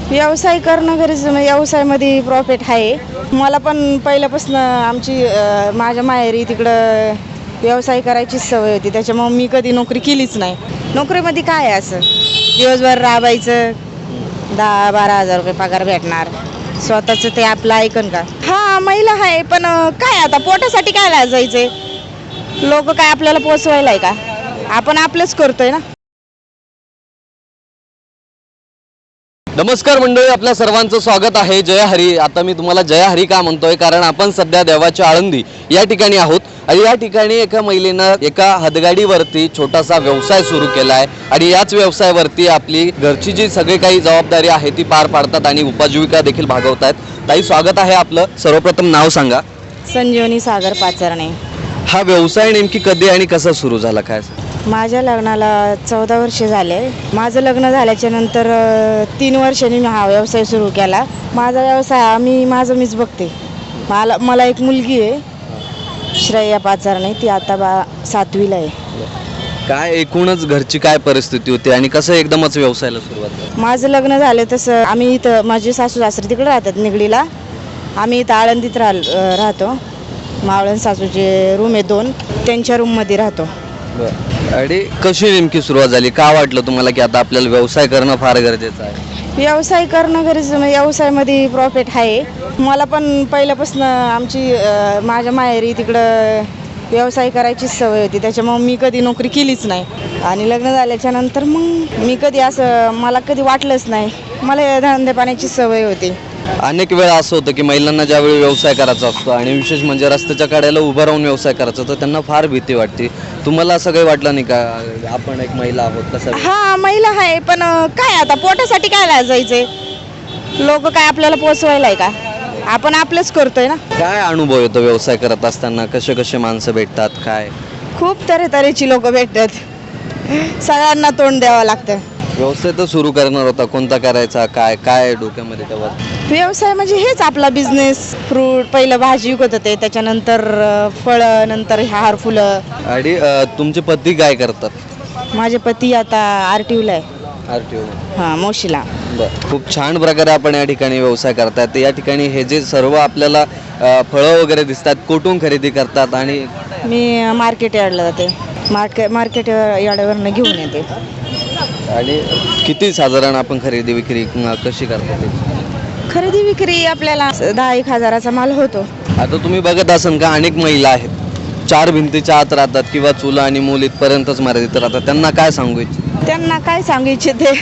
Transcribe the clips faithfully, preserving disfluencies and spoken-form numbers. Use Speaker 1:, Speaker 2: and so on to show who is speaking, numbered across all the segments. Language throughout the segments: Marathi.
Speaker 1: व्यवसाय करणं गरजेचं म्हणजे व्यवसायामध्ये प्रॉफिट आहे. मला पण पहिल्यापासून आमची अ, माझ्या माहेरी तिकडं व्यवसाय करायची सवय होती, त्याच्यामुळे मी कधी नोकरी केलीच नाही. नोकरीमध्ये काय आहे असं दिवसभर राबायचं, दहा बारा हजार रुपये पगार भेटणार, स्वतःचं ते आपलं ऐकन का? हा महिला आहे, पण काय आता पोटासाठी काय लाजायचंय? लोक काय आपल्याला पोचवायला आहे का? आपण आपलंच करतोय ना.
Speaker 2: नमस्कार मंडळी, आपल्या सर्वांचं स्वागत आहे. जय हरी. आता मी तुम्हाला जय हरी का म्हणतोय, कारण आपण सध्या देवाच्या आळंदी या ठिकाणी आहोत आणि या ठिकाणी एका महिलेनं एका हदगाडीवरती छोटासा व्यवसाय सुरू केला आहे आणि याच व्यवसायावरती आपली घरची जी सगळी काही जबाबदारी आहे ती पार पाडतात आणि उपजीविका देखील भागवतात. ताई, स्वागत आहे आपलं. सर्वप्रथम नाव सांगा.
Speaker 1: संजीवनी सागर पाचरणे.
Speaker 2: हा व्यवसाय नेमकी कधी आणि कसा सुरू झाला, काय?
Speaker 1: माझ्या लग्नाला चौदा वर्षे झाले. माझं लग्न झाल्याच्या नंतर अ, तीन वर्षांनी मी हा व्यवसाय सुरू केला. माझा व्यवसाय मी माझं मीच बघते. मला मला एक मुलगी आहे, श्रेया पाचारणे. ती आता बा सातवीला आहे.
Speaker 2: काय एकूणच घरची काय परिस्थिती होती आणि कसं एकदमच व्यवसायाला सुरुवात झाली?
Speaker 1: माझं लग्न झालं तसं आम्ही इथं, माझे सासू सासरे तिकडे राहतात निगडीला, आम्ही इथं आळंदीत राह राहतो. मावळण सासूचे रूम आहे दोन, त्यांच्या रूममध्ये राहतो.
Speaker 2: आणि कशी नेमकी सुरुवात झाली? का वाटलं तुम्हाला की आता आपल्याला व्यवसाय करणं फार गरजेचं आहे?
Speaker 1: व्यवसाय करणं गरजेचं म्हणजे व्यवसायामध्ये प्रॉफिट आहे. मला पण पहिल्यापासून आमची अ, माझ्या माहेरी तिकडं व्यवसाय करायची सवय होती, त्याच्यामुळे मी कधी नोकरी केलीच नाही. आणि लग्न झाल्याच्या नंतर मग मी कधी असं, मला कधी वाटलंच नाही. मला धंदे पाण्याची सवय होती.
Speaker 2: अनेक वेळा असं होतं की महिलांना ज्यावेळी व्यवसाय करायचा असतो आणि विशेष म्हणजे रस्त्याच्या कडेला उभं राहून व्यवसाय करायचा, तर त्यांना फार भीती वाटते. तुम्हाला असं काही वाटलं नाही का? आपण एक महिला आहोत, कसं?
Speaker 1: हा महिला आहे, पण काय आता पोटासाठी काय लाजायचंय? लोक काय आपल्याला पोचवायला आहे का? आपण आपलंच करतोय ना.
Speaker 2: काय अनुभव येतो व्यवसाय करत असताना? कसे कसे माणसं भेटतात, काय?
Speaker 1: खूप तऱ्हेतऱ्हेची लोक भेटतात, सगळ्यांना तोंड द्यावं लागतं.
Speaker 2: व्यवसाय तर सुरू करणार होता, कोणता करायचा, काय काय डोक्यामध्ये तेव्हा?
Speaker 1: व्यवसाय म्हणजे हेच आपला बिझनेस. फ्रूट, पहिलं भाजी विकत होते, त्याच्यानंतर फळं, नंतर हार फुलं.
Speaker 2: आणि अ, तुमचे पती काय करतात?
Speaker 1: माझे पती आता आर टी यूला आहे.
Speaker 2: R T O.
Speaker 1: हां, मोशीला.
Speaker 2: बरं, खूप छान प्रकारे आपण या ठिकाणी व्यवसाय करतात. या ठिकाणी हे जे सर्व आपल्याला अ, फळं वगैरे दिसतात, कुठून खरेदी करतात? आणि
Speaker 1: मी मार्केट यार्डला जाते, मार्केट मार्केट यार्डवरनं घेऊन येते.
Speaker 2: आणि किती साधारण आपण खरेदी विक्री अ, कशी करतात?
Speaker 1: खरेदी विक्री आपल्याला दहा एक हजाराचा माल होतो.
Speaker 2: आता तुम्ही बघत असाल का, अनेक महिला आहेत चार भिंतीच्या आत राहतात किंवा चुला आणि मूल इथपर्यंतच मर्यादित राहतात. त्यांना काय सांगू इच्छित?
Speaker 1: त्यांना काय सांगू इच्छिते,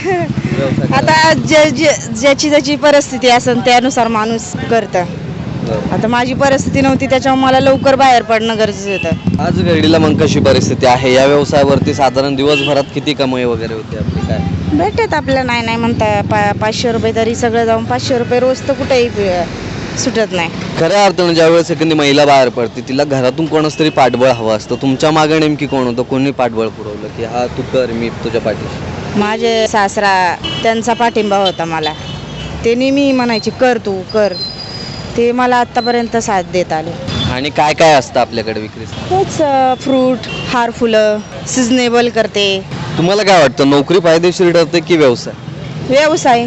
Speaker 1: आता जे जे ज्याची ज्याची परिस्थिती असेल त्यानुसार माणूस करतं. आता माझी परिस्थिती नव्हती, त्याच्यामुळे मला लवकर बाहेर पडणं गरजेचं होतं.
Speaker 2: आज घडीला मग कशी परिस्थिती आहे? या व्यवसायावरती साधारण दिवसभरात किती कमाई वगैरे होते आपली, काय?
Speaker 1: भेटत आपल्याला, नाही नाही म्हणता पा पाचशे रुपये तरी सगळं जाऊन पाचशे रुपये रोज तर कुठेही सुटत नाही.
Speaker 2: खऱ्या अर्थानं ज्यावेळेस एखादी महिला बाहेर पडते, तिला घरातून कोणच तरी पाठबळ हवं असतं. तुमच्या मागे नेमकी कोण होतं? कोणी पाठबळ पुरवलं की हा तू कर, मी तुझ्या पाठीशी?
Speaker 1: माझे सासरा, त्यांचा पाठिंबा होता मला. ते नेहमी म्हणायचे कर तू कर, ते मला आत्तापर्यंत साथ देत आले.
Speaker 2: आणि काय काय असतं आपल्याकडे विक्री?
Speaker 1: हेच फ्रूट, हार फुलं, सिजनेबल करते.
Speaker 2: तुम्हाला काय वाटतं, नोकरी फायदेशीर ठरते की व्यवसाय?
Speaker 1: व्यवसाय.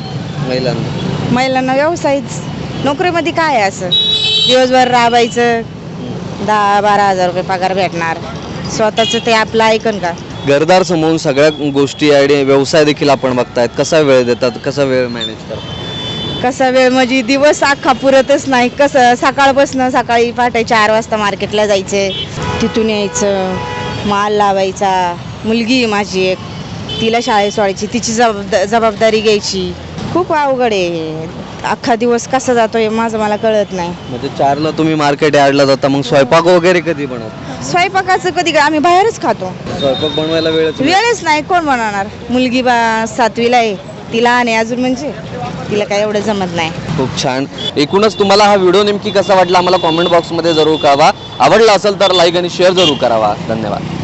Speaker 2: महिलांना
Speaker 1: महिलांना व्यवसायच. नोकरीमध्ये काय आहे असं दिवसभर राबायचं, दहा बारा हजार रुपये पगार भेटणार, स्वतःचं ते आपलं ऐकन का?
Speaker 2: घरदार समोरून सगळ्या गोष्टी आणि व्यवसाय देखील आपण बघतायत. कसा वेळ देतात, कसा वेळ मॅनेज करतात?
Speaker 1: कसा वेळ म्हणजे दिवस अख्खा पुरतच नाही. कसं सकाळपासून, सकाळी पहाटे चार वाजता मार्केटला जायचं, तिथून यायचं, माल लावायचा. मुलगी आहे माझी एक, तिला शाळेत सोडायची, तिची जबाबदा जबाबदारी घ्यायची. खूप अवघड आहे. अख्खा दिवस कसा जातोय माझं मला कळत नाही.
Speaker 2: म्हणजे चारला तुम्ही मार्केट यार्डला जाता, मग स्वयंपाक वगैरे कधी बनवता?
Speaker 1: स्वयंपाकाचं कधी आम्ही बाहेरच खातो.
Speaker 2: स्वयंपाक बनवायला वेळच
Speaker 1: वेळच नाही, कोण बनवणार? मुलगी बा सातवीला आहे, तिला आणि अजून म्हणजे तिला काय एवढं जमत नाही.
Speaker 2: खूप छान. एकूणच तुम्हाला हा व्हिडिओ नेमकी कसा वाटला आम्हाला कॉमेंट बॉक्समध्ये जरूर कळवा. आवडला असेल तर लाईक आणि शेअर जरूर करावा. धन्यवाद.